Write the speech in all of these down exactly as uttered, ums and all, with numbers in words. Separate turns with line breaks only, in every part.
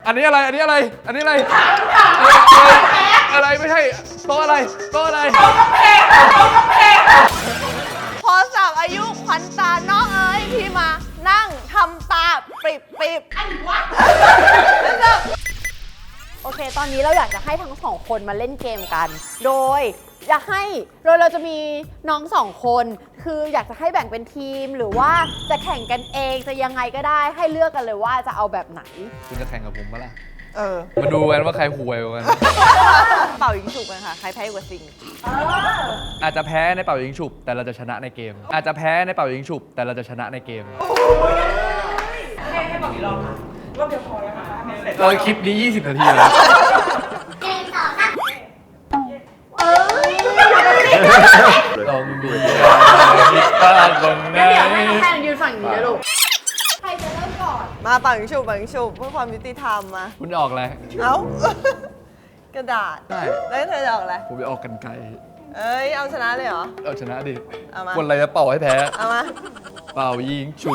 อันนี้อะไรอันนี้อะไรอันนี้อะไรอะไรไม่ใช่โต๊ะอะไรโต๊ะอะไร
พอสามอายุขวัญตาน้องเอ๋ยพี่มานั่งทำตาปิบปิบอันวะโอเคตอนนี้เราอยากจะให้ทั้งสองคนมาเล่นเกมกัน โดยอยากให้โดยเราจะมีน้องสองคนคืออยากจะให้แบ่งเป็นทีมหรือว่าจะแข่งกันเองจะยังไงก็ได้ให้เลือกกันเลยว่าจะเอาแบบไหน
คุณจะแข่งกับผมปะล่ะ
เออ
มาดูกันว่าใครห่วยกว่ากัน
เป่ายิงฉุบกันค่ะใครแพ้กว่าซิง
อาจจะแพ้ในเป่ายิงฉุบแต่เราจะชนะในเกมอาจจะแพ้ในเป่ายิงฉุบแต่เราจะชนะในเกม
ให้ให้บอกอีกรอบค่ะรอบเดียวพอแล้วค่ะเสร็จ
เราคลิปนี้ยี่สิบนาทีแล้ว
เกมต่อค่ะ
เอ้ย
ต้องมีอะไรผิดพลาดตรงไหน
เดี๋ยวให้แทนยืนฝั่งนี้นะลูกใครจะเริ่มก่อนมาเป่ายิงฉุบเป่ายิงฉุบเพื่อความยุติธรรมมา
คุณออกอะไร
เอ้ากระดาษ
ได้
แล้วเธอจะออกอะไร
ผมจะออกกันไกล
เอ้ยเอาชนะเลยเหรอ
เอาชนะดิ
เอามา
คนอะไรจะเป่าให้แพ้
เอามา
เป่ายิงฉุบ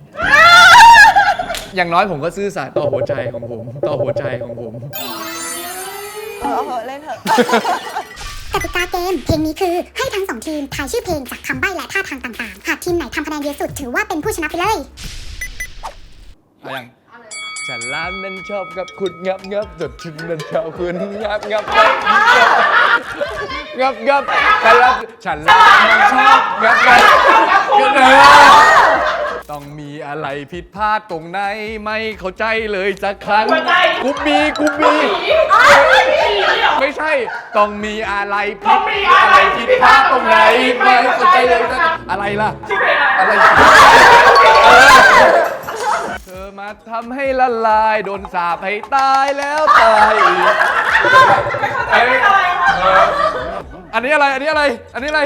อย่างน้อยผมก็ซื่อสัตย์ต่อหัวใจของผมต่อหัวใจของผม
เออเอาเถอะเล่นเถอะ
กติกาเกมเพลงนี้คือให้ทั้งสองทีมทายชื่อเพลงจากคำใบ้และท่าทางต่างๆหากทีมไหนทำคะแนนเยอะสุดถือว่าเป็นผู้ชนะไปเลย
เอายังฉันร้านนั้นชอบกับคุณงับงับจดฉันนั้นชอบคุณงับงับงับงับงับฉันร้านฉันร้านนั้นชอบงับงับต้องมีอะไรผิดพลาดตรงไหนไม่เข้าใจเลยสักครั้งกูมีกูมีไม่ใช่ต้องมีอะไรผิดอะไรผิดพลาดตรงไหนไม่เข้าใจเลยสักอะไรล่ะอะไรเธอมาทำให้ละลายโดนสาปให้ตายแล้วตายอีกอันนี้อะไรอันนี้อะไรอันนี้อะไร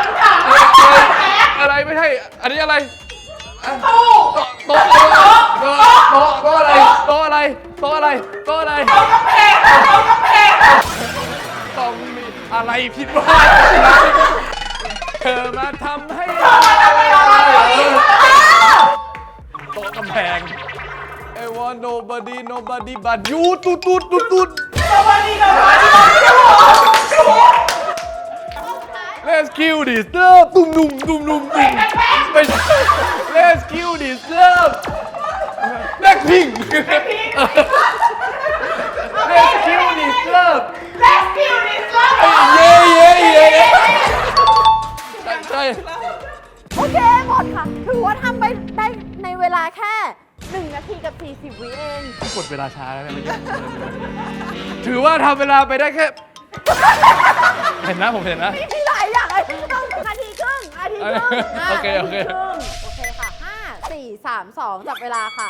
อะไรไม่ใช่อันนี้อะไรโต๊ะโต๊ะโต๊ะโต๊ะโต๊ะอะไรโต๊ะอะไรโต๊ะอะไรโต๊ะอะไรต้องมีอะไรผิดพลาดเธอมาทำให้โต๊ะกำแพง I want nobody nobody but you ตุ๊ดตุ๊ดตุ๊ดตุ๊ด
nobody nobody
Let's kill this love ตุ้มนุ่มตุ้มนุ่มตุ้มไม่ใช่ Let's kill this love Blackpink Let's kill this love
Let's kill this love
เย้เย้เย้ใช่ใช่
โอเคหมดค่ะถือว่าทำไปได้ในเวลาแค่หนึ่งนาทีกับสี่สิบวิเอง
กดเวลาช้าแล้วเนี่ยถือว่าทำเวลาไปได้แค่เห็นนะผมเห็นนะ
มีหลายอย่างเลยต้องนาทีครึ่งนาทีครึ่ง
โอเคโอเค
โอเคค่ะห้าสี่สามสองจับเวลาค่ะ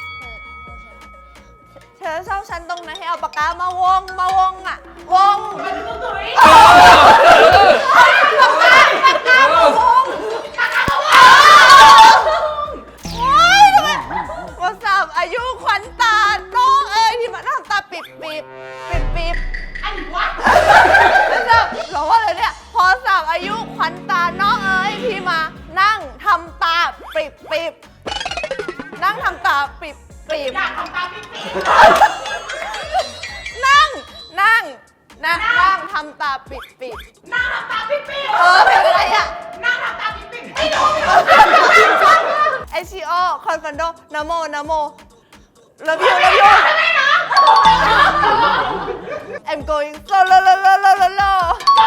เธอชอบฉันตรงไหนให้เอาปากกามาวงมาวงอ่ะวงมันคือตุ้ยปากกาปากกามาวงปากกามาวงโอ้ยวันสามอายุขวัญตาน้องเอ้ยที่มาทำตาปิบปิบปิบปิบอันวะแล้วจะบอกว่าอะไรเนี่ยพอสามอายุขวัญตาน้องเอ้ยพี่มานั่งทำตาปิบปิบนั่งทำตาปิบปิบอยากทำตาปิบปิบนั่งนั่งนั่งนั่งทำตาปิบปิบนั่งทำตาปิบปิบเออเป็นอะไรอ่ะนั่งทำตาปิบปิบไม่รู้ไอซีโอคอนฟันโดนะโมนะโมเลิฟยูเลิฟยูI'm going so low low low low low low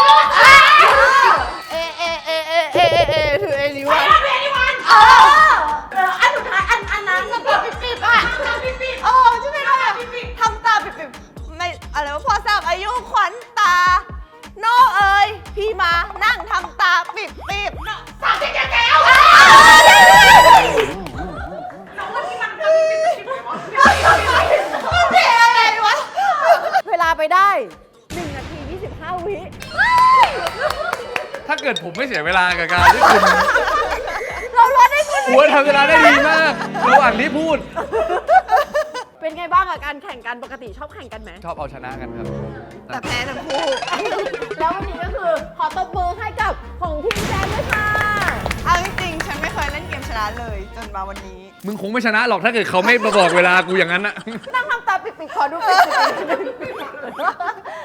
เอเอเอเอเอเอเอถือเอนิวันเอนิวันเออเอออันสุดท้ายอันอันนั้นทำตาปิบปิบอ่ะทำตาปิบปิบโอ้ใช่ไหมคะทำตาปิบปิบไม่อะไรวะพอทราบอายุขวัญตาน้องเอ๋ยพี่มานั่งทำตาปิบปิบสามสิบแก้วน้องว่าที่มันทำปิบปิบอะไรวะเวลาไปได้หนึ่งนาทียี่สิบห้าวิ
ถ้าเกิดผมไม่เสียเวลากับการที่คุณ
เราลดได้คุณ
หัวทำเวลาได้ดีมากระหว่างที่พูด
เป็นไงบ้างกับการแข่งกันปกติชอบแข่งกันไหม
ชอบเอาชนะกันครับ
แต่แพ้ทั้งคู่แล้ววันนี้ก็คือขอตบมือให้กับของทีมแซมด้วยค่ะเอาจริงๆฉันไม่เคยเล่นเกมชนะเลย จนมาวันนี้
มึงคงไม่ชนะหรอกถ้าเกิดเขาไม่มาบอกเวลากูอย่างนั้นอะ
นั่งทำตาปิดๆขอดูปิดๆ